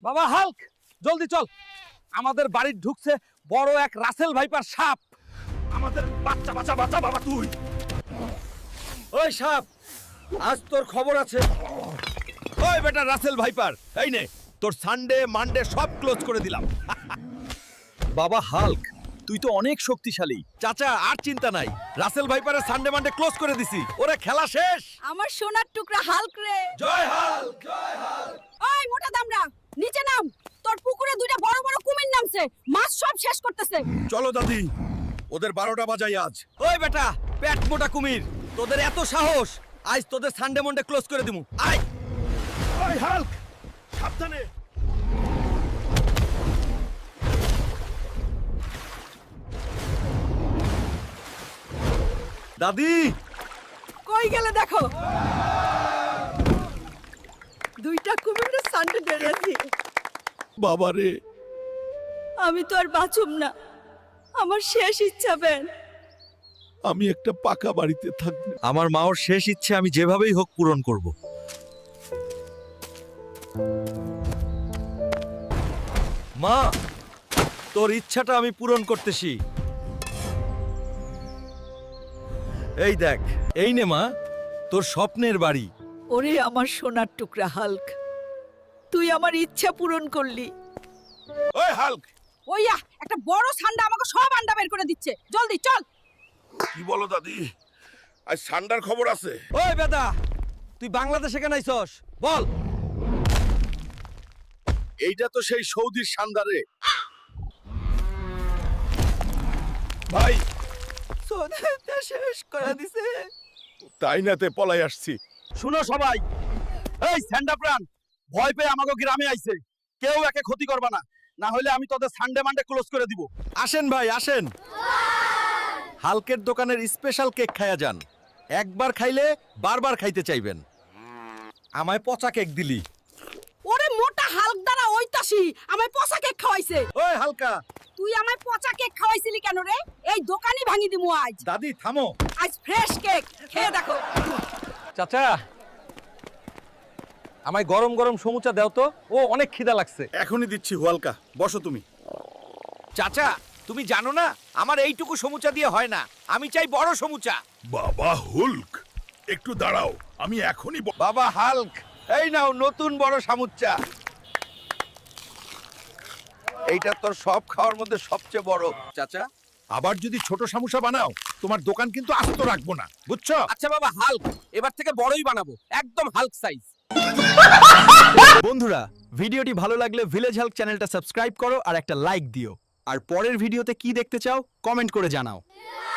বাবা হাল্ক, জলদি চল। আমাদের বাড়ি ঢুকছে বড় এক রাসেল ভাইপার সাপ। আমাদের বাচ্চা বাচ্চা বাচ্চা বাবা তুই। ওই সাপ, আজ তোর খবর আছে। ওই বেটা রাসেল ভাইপার, এই নে তোর সানডে মানডে সব ক্লোজ করে দিলাম। বাবা হাল্ক, তুই তো অনেক শক্তিশালী। চাচা আর চিন্তা নাই, রাসেল ভাইপারের সানডে মানডে ক্লোজ করে দিছি। ওরে খেলা শেষ। আমার সোনার টুকরা হাল্ক রে। জয় হাল্ক, জয় হাল্ক। ওই মোটা দামড়া, নিচে নাম। তোর পুকুরে দুইটা বড় বড় কুমির নামছে, মাছ সব শেষ করতেছে। চলো দাদি, ওদের 12টা বাজাই আজ। ওই বেটা পেট মোটা কুমির, তোদের এত সাহস, আজ তোদের সানডে মন্ডে ক্লোজ করে দিমু। আয়। ওই হাল্ক, সাবধানে। দাদি, কই গেলে দেখো। দুইটা কুমিরের সান্ডে বেরিয়েছি। বাবারে, আমি তো আর বাঁচুম না, আমার শেষ ইচ্ছা বেন। আমি একটা পাকা বাড়িতে থাকবো। আমার মাওর শেষ ইচ্ছে আমি যেভাবেই হোক পূরণ করব। মা, তোর ইচ্ছাটা আমি পূরণ করতেছি। এই দেখ, এই নে মা, তোর স্বপ্নের বাড়ি। ওরে আমার সোনার টুকরা হাল্ক, তুই আমার ইচ্ছা পূরণ করলি। ওই হাল্ক, ওইয়া একটা বড় সান্ডা আমাকে সব আন্ডা বের করে দিচ্ছে, জলদি চল। কি বলো দাদি? আজ সান্ডার খবর আছে। ওই বেদা, তুই বাংলাদেশে কেন আইছস? বল। এইটা তো সেই সৌদির সান্দারে। ভাই, সোনাটা শেষ করে দিছে। তাই নাতে পলাই আসছি। শুনো সবাই, এই স্যান্ডা প্রাণ ভয় পেয়ে আমাকে গ্রামে আইছে। কেউ একে ক্ষতি করবা না, না হলে আমি তোদের সানডে মানডে ক্লোজ করে দিব। আসেন ভাই আসেন, হালকের দোকানের স্পেশাল কেক খায়া যান। একবার খাইলে বারবার খাইতে চাইবেন। আমায় পচা কেক দিলি। ওরে মোটা হাল্ক দ্বারা ওইতাসি আমায় পচা কেক খাওয়াইছে। ওই হালকা, তুই আমায় পচা কেক খাওয়াইছিলি কেন রে? এই দোকানই ভাঙি দিমু আজ। দাদি থামো। আজ ফ্রেশ কেক খেয়ে দেখো। চাচা, আমায় গরম গরম সমুচা দাও তো, ও অনেক খিদা লাগছে। এখনই দিচ্ছি হুয়ালকা, বসো তুমি। চাচা, তুমি জানো না আমার এইটুকু সমুচা দিয়ে হয় না, আমি চাই বড় সমুচা। বাবা হুল্ক, একটু দাঁড়াও, আমি এখনই বাবা হাল্ক, এই নাও নতুন বড় সমুচা। এইটা তোর সব খাওয়ার মধ্যে সবচেয়ে বড়। চাচা, আবার যদি ছোট সমস্যা বানাও, তোমার দোকান কিন্তু আস্ত রাখবো না, বুঝছো? আচ্ছা বাবা হাল্ক, এবার থেকে বড়ই বানাবো, একদম হাল্ক সাইজ। বন্ধুরা, ভিডিওটি ভালো লাগলে ভিলেজ হেল্প চ্যানেলটা সাবস্ক্রাইব করো আর একটা লাইক দিও। আর পরের ভিডিওতে কি দেখতে চাও কমেন্ট করে জানাও।